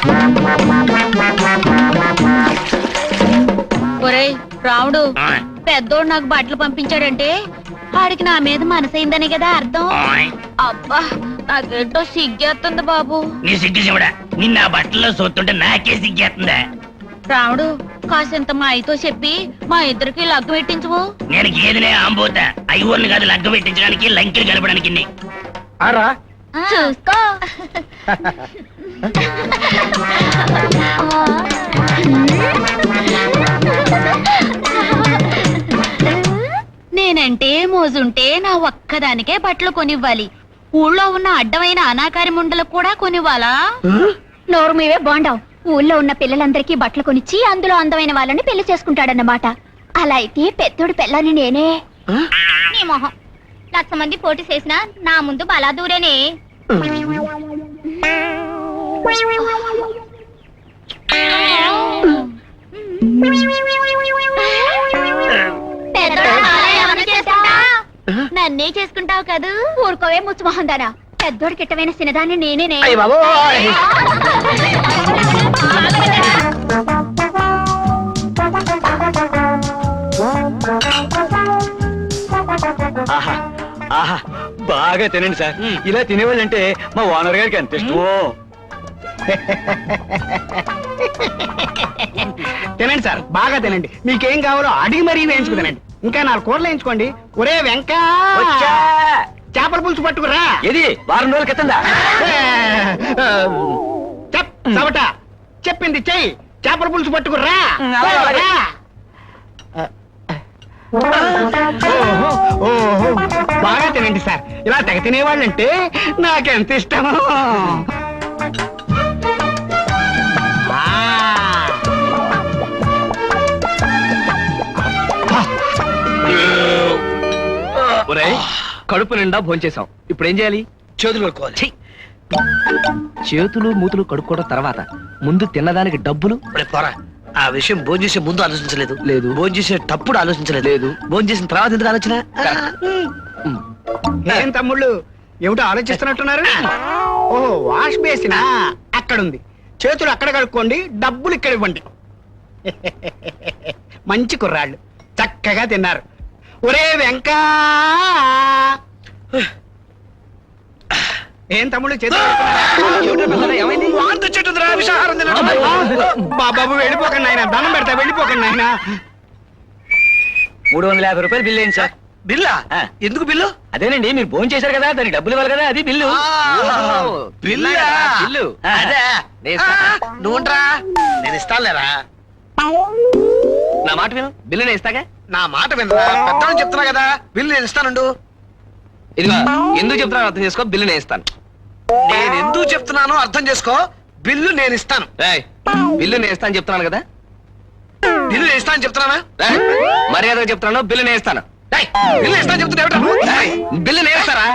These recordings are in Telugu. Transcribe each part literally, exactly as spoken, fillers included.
ఒరేయ్ రాముడు, పెద్దోడు నాకు బట్టలు పంపించాడంటే వాడికి నా మీద మనసైందనే కదా అర్థం. అబ్బా నాకేంటో సిగ్గేస్తుంది బాబు. నీ సిగ్గు చెవుడా, నిన్న ఆ బట్టల్లో చూస్తుంటే నాకే సిగ్గేస్తుందా? రాముడు కాసింత మా అయితో చెప్పి మా ఇద్దరికి లగ్గు పెట్టించువు. నేను గేదెనే ఆంబోతా, ఐవర్ని కాదు లగ్గ పెట్టించడానికి లంకెలు కలపడానికి. చూసుకో. నేనంటే మోజుంటే నా ఒక్కదానికే బట్టలు కొనివ్వాలి. ఊళ్ళో ఉన్న అడ్డమైన అనాకారి ముండలకు కూడా కొనివ్వాలా? నోరు మీవే బాండావు. ఊళ్ళో ఉన్న పిల్లలందరికీ బట్టలు కొనిచ్చి అందులో అందమైన వాళ్ళని పెళ్లి చేసుకుంటాడన్నమాట. అలా అయితే పెద్దోడు పిల్లని నేనే. నీ మొహం లక్ష మంది పోటీ చేసినా నా ముందు బలా దూరేనే. నన్నే చేసుకుంటావు కదూ? ఊరుకోవే ముచ్చుమొహం దానా. పెద్దోడికి ఇట్టమైన సినదాన్ని నేనే. ఆహా ఆహా బాగా తినండి సార్. ఇలా తినేవాళ్ళంటే మా ఓనర్ గారికి ఎంత ఇష్టమో. తినండి సార్, బాగా తినండి. మీకేం కావాలో అడిగి మరీ వేయించుకు తినండి. ఇంకా నాలుగు కూరలు వేయించుకోండి. ఒరే వెంకా, చేపల పులుసు పట్టుకురా. ఇది వారం రోజుల క్రితందా? చెప్ సవట చెప్పింది చెయ్యి. చేపల పులుసు పట్టుకురా. ఓహో బాగా తినండి సార్. ఇలా తెగ తినేవాళ్ళంటే నాకెంత ఇష్టమో. కడుపు నిండా భోంచేసాం. ఇప్పుడు ఏం చేయాలి? చేతులు కడుక్కోవాలి. చేతులు మూతులు కడుక్కోవడం తర్వాత ముందు తిన్నదానికి డబ్బులు. పోరా, ఆ విషయం భోజనం చేసే ముందు ఆలోచించలేదు. లేదు. భోజనం చేసేటప్పుడు ఆలోచించలేదు. లేదు. భోజనం చేసిన తర్వాత ఎందుకు ఆలోచన? ఏం తమ్ముళ్ళు ఏమిటో ఆలోచిస్తున్నట్టున్నారు? ఓహో వాష్ బేసినా అక్కడుంది. చేతులు అక్కడ కడుక్కోండి, డబ్బులు ఇక్కడ ఇవ్వండి. మంచి కుర్రాళ్ళు చక్కగా తిన్నారు. ఒరే వెంకా, ఏం తమ్ముళ్ళు చేతులు బాబు వెళ్ళిపోకండి ఆయన. దండం పెడతా, వెళ్ళిపోకండి ఆయన. మూడు వందల యాభై రూపాయలు బిల్లు అయింది సార్. బిల్లా? ఎందుకు బిల్లు? అదేనండి, మీరు భోజనం చేశారు కదా, దానికి డబ్బులు ఇవ్వాలి కదా, అది బిల్లు. బిల్లు బిల్లు అదే. నువ్వుంట్రా, నేను ఇస్తానులేరా. నా మాట విను, బిల్లు నేను ఇస్తాగా. నా మాట వినరా? పెద్ద చెప్తున్నా కదా, బిల్లు నేను ఇస్తానుండు. ఇదిగో ఎందుకు చెప్తున్నాను అర్థం చేసుకో, బిల్లు నేను ఇస్తాను. నేను ఎందుకు చెప్తున్నానో అర్థం చేసుకో, బిల్లు నేను ఇస్తాను. బిల్లు నేను ఇస్తాను చెప్తున్నాను కదా. బిల్లు నేను ఇస్తాను చెప్తున్నానా? మర్యాదగా చెప్తున్నాను, బిల్లు నేను ఇస్తాను. బిల్లు ఇస్తాను చెప్తున్నా. బిల్లు నేను ఇస్తారా?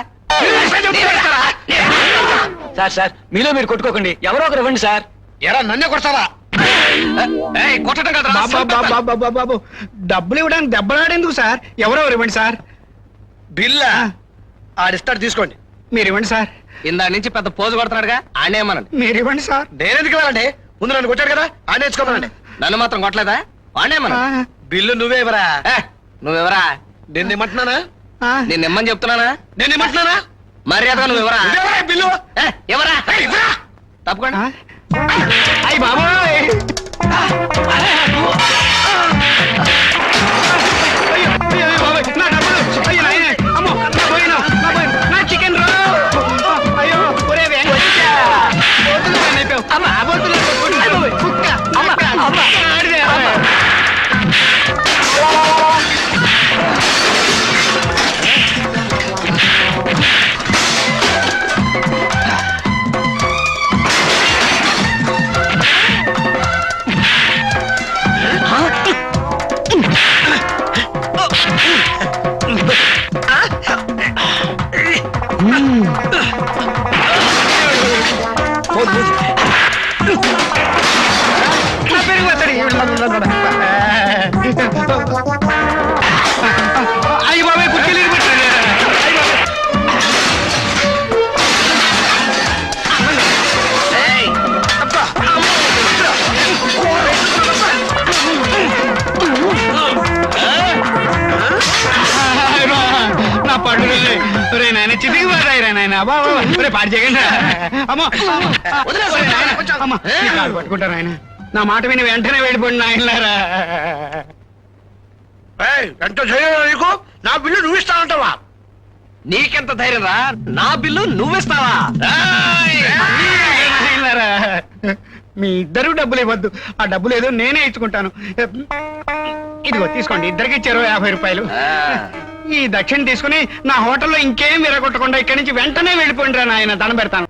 సార్ సార్ మీలో మీరు కొట్టుకోకండి, ఎవరో ఒకరు ఇవ్వండి సార్. ఎరా నన్నే కొడతావా? కొట్టడం కదా. బాబు డబ్బులు ఇవ్వడానికి దెబ్బలాడేందుకు సార్? ఎవరెవరు ఇవ్వండి సార్. బిల్లా ఆడిస్తాడు, తీసుకోండి. మీరు ఇవ్వండి సార్. ఇందా నుంచి పెద్ద పోజు కొడుతున్నాడుగా, ఆడేమనండి. మీరు ఇవ్వండి సార్. నేనెందుకు ఇవ్వాలండి? ముందు నన్ను కొట్టాడు కదా, ఆడే నేర్చుకోమనండి. నన్ను మాత్రం కొట్టలేదా? ఆడేమన. బిల్లు నువ్వే ఇవ్వరా. నువ్వెవరా? నేను ఇమ్మంటున్నానా? నేను ఇమ్మని చెప్తున్నానా? నేను ఇమ్మంటున్నానా? మర్యాదగా నువ్వు ఎవరా? బిల్లు ఎవరా? తప్పకుండా. అయ్యి బాబోయ్, చికెన్ రో. అయ్యో ఒరే అయ్యి బాబాయ్ కుర్చీలు పెట్టారు. అబ్బా, అబ్బా, ఒరే, పాడు చేయకండి అమ్మా అమ్మా నీ కాలు పట్టుకుంటాను ఆయన నా మాట విని వెంటనే వెళ్ళిపోండి నాయనలారా. ఎంత ధైర్యం నీకు? నా బిల్లు నువ్వు ఇస్తానంటావా? నీకెంత ధైర్యం రా? నా బిల్లు నువ్విస్తావా? నాయనలారా, మీ ఇద్దరు డబ్బులు ఇవ్వద్దు, ఆ డబ్బులు ఏదో నేనే ఇచ్చుకుంటాను. ఇదిగో తీసుకోండి, ఇద్దరికి ఇచ్చారు యాభై రూపాయలు. ఈ దక్షిణ తీసుకుని నా హోటల్లో ఇంకేం విరగొట్టకుండా ఇక్కడి నుంచి వెంటనే వెళ్ళిపోండి రా నాయన, దండం పెడతాను.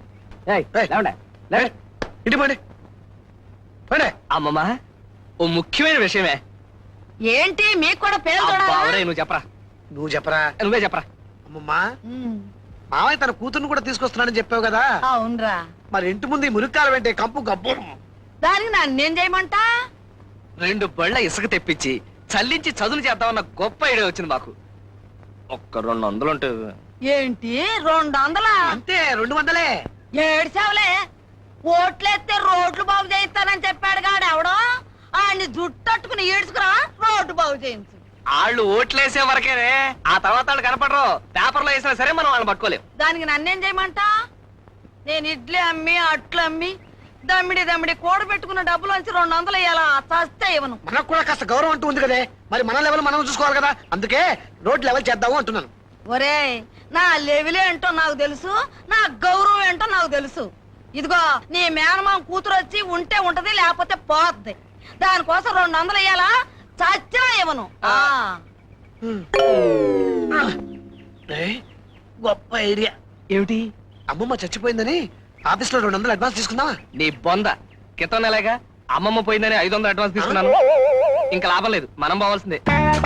ఇటు పడి పడే. అమ్మమ్మ, ఓ ముఖ్యమైన విషయమే. ఏంటి మీకు కూడా పేరు అబ్బా, ఒరేయ్, నువ్వు చెప్పరా, నువ్వు చెప్పరా. నువ్వే చెప్పరా. అమ్మమ్మా, మామయ్య తన కూతుర్ని కూడా తీసుకొస్తున్నాడని చెప్పావు కదా, అవునరా, మరి ఇంటి ముందు ఈ మురికాల వెంటే కంపు గబ్బు. దానికి నన్నేం చేయమంటా? రెండు బళ్ళ ఇసుక తెప్పించి చల్లించి చదువులు చేద్దామన్న గొప్ప ఐడియా వచ్చింది మాకు. ఒక్క రెండు వందలు ఉంటే. ఏంటి రెండు వందలా? అంతే, రెండు వందలే. ఏడ్చావులే, ఓట్లేస్తే రోడ్లు బాగు చేయిస్తానని చెప్పాడు కాడు ఎవడో, ఆయన్ని జుట్టట్టుకుని ఈడ్చుకురా రోడ్డు బాగు చేయించు. వాళ్ళు ఓట్లేసే వరకేనే, ఆ తర్వాత వాళ్ళు కనపడరు. పేపర్లో వేసినా సరే మనం వాళ్ళని పట్టుకోలేం. దానికి నన్నేం చేయమంటా? నేను ఇడ్లీ అమ్మి అట్లు అమ్మి దమ్మిడి దమ్మిడి కూడ పెట్టుకున్న డబ్బులు వచ్చి రెండు వందలు ఇయ్యాలా? చస్తే ఇవ్వను. మనకు కూడా కాస్త గౌరవం అంటూ ఉంది కదే, మరి మన లెవెల్ మనం చూసుకోవాలి కదా, అందుకే రోడ్ లెవెల్ చేద్దాము అంటున్నాను. ఒరే, నా లెవెల్ ఏంటో నాకు తెలుసు, నా గౌరవం ఏంటో నాకు తెలుసు. ఇదిగో నీ మేనమామ కూతురు వచ్చి ఉంటే ఉంటది, లేకపోతే పోద్ది. దానికోసం రెండు వందలు ఇయ్యాలా? చచ్చినా ఇవ్వను. ఆ ఏయ్, గొప్ప ఐడియా. ఏమిటి? అమ్మమ్మ చచ్చిపోయిందని ఆఫీస్ లో రెండు వందలు అడ్వాన్స్ తీసుకుందామా? నీ బొంద, క్రితం నెలగా అమ్మమ్మ పోయిందని ఐదు వందలు అడ్వాన్స్ తీసుకున్నాను. ఇంకా లాభం లేదు, మనం పోవాల్సిందే.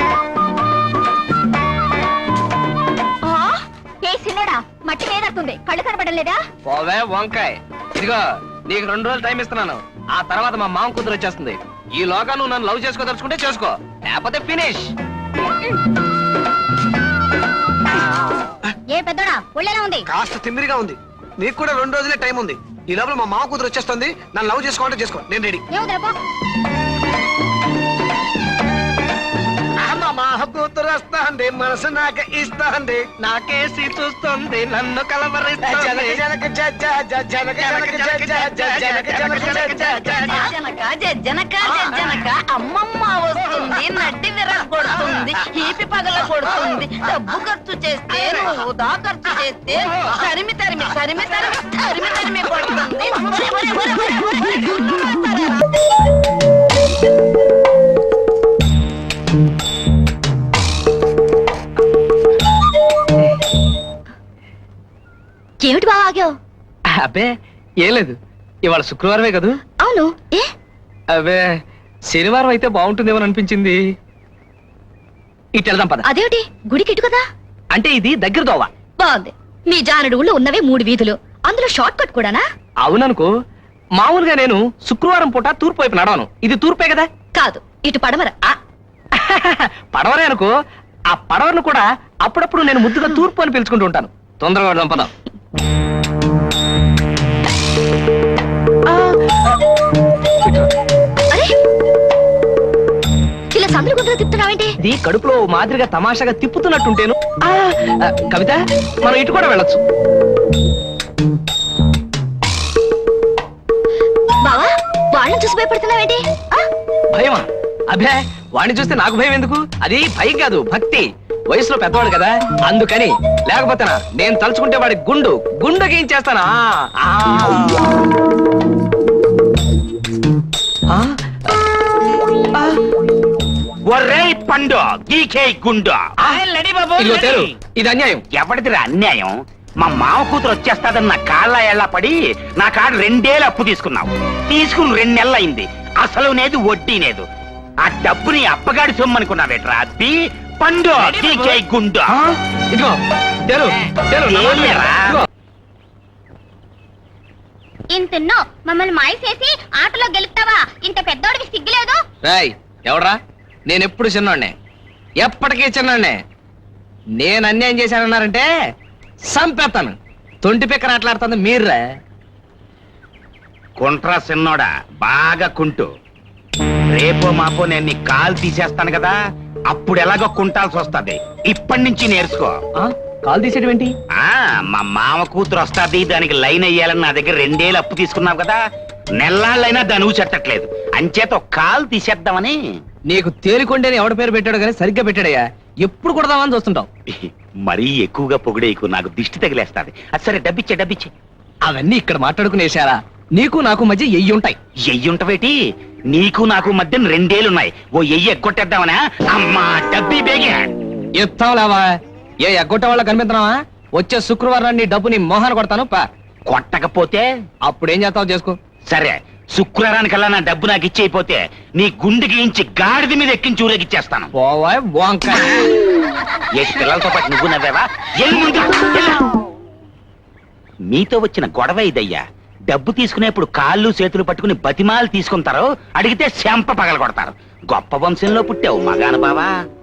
ఏ సిన్నోడా, మట్టి నేనడుతుంది, కళ్ళు కనపడలేదా? పోవే వంకాయ్. ఇదిగో నీకు రెండు రోజులు టైం ఇస్తున్నాను, ఆ తర్వాత మా మామ కూతురు వచ్చేస్తుంది. ఈ లోగా నువ్వు నన్ను లవ్ చేసుకోదలుచుకుంటే చేసుకో, లేకపోతే ఫినిష్. ఏ పెద్దోడా, ఒళ్ళెలా ఉంది? కాస్త తిమ్మిరిగా ఉంది. నీకు కూడా రెండు రోజులే టైం ఉంది. ఈ లోపల మా మామ కూతురు వచ్చేస్తుంది. నన్ను లవ్ చేసుకోవాలంటే చేసుకో, నేను రెడీ. మా కూతురు వస్తాంది, మనసు నాకు ఇస్తాంది, నాకేసి చూస్తుంది, నన్ను కలవరిస్తుంది. జనక జనక జ జ జ జనక జనక జ జ జ జనక జనక జ జ జ జ. జనక జనక జనక అమ్మమ్మ వస్తుంది, నడ్డి విరగొడుతుంది, ఈపి పగల కొడుతుంది. డబ్బు ఖర్చు చేస్తే వృధా ఖర్చు చేస్తే తరిమి తరిమి తరిమి తరిమి తరిమి తరిమి కొడుతుంది. ఒరే, ఒరే, ఒరే, ఒరే, ఒరే. ఏమిటి బాగా ఆగావు? అబ్బే ఏం లేదు, ఇవాళ శుక్రవారమే కదూ. అవును, ఏ అబ్బే శనివారం అయితే బాగుంటుందేమో అనిపించింది. ఇటు వెళ్దాం పద. అదేమిటి, గుడికి ఇటు కదా? అంటే ఇది దగ్గర దోవ. బాగుంది. మీ జానడు ఊళ్ళో ఉన్నవే మూడు వీధులు, అందులో షార్ట్ కట్ కూడానా? అవుననుకో, మామూలుగా నేను శుక్రవారం పూట తూర్పు వైపు నడవను. ఇది తూర్పే కదా? కాదు, ఇటు పడమర. ఆ, పడవరే అనుకో. ఆ పడవను కూడా అప్పుడప్పుడు నేను ముద్దుగా తూర్పు అని పిలుచుకుంటూ ఉంటాను. తొందరగా వెళ్దాం పద. అరే, ఇలా సందులు గుంతలు తిప్పుతున్నావేంటి? ఇది కడుపులో ఓ మాదిరిగా తమాషాగా తిప్పుతున్నట్టుంటేను. ఆ, ఆ, కవిత, మనం ఇటు కూడా వెళ్ళొచ్చు. బావా, వాళ్ళని చూసి భయపడుతున్నావేంటి? ఆ? భయమా? అభే, వాడిని చూస్తే నాకు భయం ఎందుకు? అది భయం కాదు, భక్తి. వయసులో పెద్దవాడు కదా, అందుకని. లేకపోతేనా నేను తలుచుకుంటే వాడి గుండు గుండు గీయించేస్తానా? ఒరేయ్ పండు, గీకే గుండు. ఇదిగో తేరు, ఇది అన్యాయం. ఎవరిదిరా అన్యాయం? మా మామ కూతురు వచ్చేస్తాదని నా కాళ్ళ ఎళ్ళ పడి నా కాడ రెండేళ్ళు అప్పు తీసుకున్నావు. తీసుకుని రెండు నెలలు అయింది. అసలు నేదు వడ్డీ లేదు. ఆ డబ్బుని అప్పగాడి సొమ్మనుకున్నావేట్రా? అబ్బి పండు, గీకే గుండు. ఇదిగో తేరు, తేరు, ఏమిరా? ఇదిగో. ఇంతన్నో మమ్మల్ని మాయసేసి ఆటలో గెలుపుతావా? ఇంత పెద్దోడికి సిగ్గులేదు? రాయ్, ఎవడ్రా? నేనెప్పుడు చిన్నోడ్నే, ఎప్పటికీ చిన్నోడ్నే. నేను అన్యాయం చేశానన్నారంటే సంపేస్తాను. తొంటి పిక్కర ఆటలాడుతుంది మీర్రా. కుంట్రా సిన్నోడా, బాగా కుంటు. రేపో మాపో నేను నీ కాలు తీసేస్తాను కదా, అప్పుడు ఎలాగో కుంటాల్సి వస్తది. ఇప్పటి నుంచి నేర్చుకో. ఆ? కాల్ తీసేయడం ఏంటి? ఆ మా మామ కూతురు వస్తాది, దానికి లైన్ అయ్యాలని నా దగ్గర రెండేళ్ళు అప్పు తీసుకున్నావు కదా, నెల్లాళ్ళైనా దాని చెట్టట్లేదు, అంచేత ఒక కాలు తీసేద్దామని. నీకు తేలికొండేని ఎవడ పేరు పెట్టాడు కానీ సరిగ్గా పెట్టాడయ్యా. ఎప్పుడు కొడదామని చూస్తుంటావు. మరీ ఎక్కువగా పొగిడేకు, నాకు దిష్టి తగిలేస్తాది. అది సరే, డబ్బిచ్చే డబ్బిచ్చే. అవన్నీ ఇక్కడ మాట్లాడుకునేశారా? నీకు నాకు మధ్య ఎయ్యి ఉంటాయి. ఎయ్యుంటవేటి? నీకు నాకు మధ్య రెండేళ్లున్నాయి, ఓ ఎయ్యి ఎగ్గొట్టేద్దామనా? అమ్మా డబ్బి బేగే. ఎత్తాం లేవా? ఏ ఎగ్గొట్టే వాళ్ళ కనిపిస్తున్నావా? వచ్చే శుక్రవారం నీ డబ్బు నీ మోహన కొడతాను పా. కొట్టకపోతే అప్పుడేం చేస్తావు చేసుకో. సరే, శుక్రవారానికల్లా నా డబ్బు నాకు ఇచ్చేయిపోతే నీ గుండెకి ఇంచి గాడిద మీద ఎక్కించి ఊరేగిచ్చేస్తాను. పోవా వంకాయ. ఏ పిల్లలతో పాటు నువ్వు నవ్వేవా? ఎల్లు ముందు, ఎల్లు. మీతో వచ్చిన గొడవ ఇదయ్యా. డబ్బు తీసుకునేప్పుడు కాళ్ళు చేతులు పట్టుకుని బతిమాలు తీసుకుంటారు, అడిగితే శంప పగల కొడతారు. గొప్ప వంశంలో పుట్టావు మగాను బావా.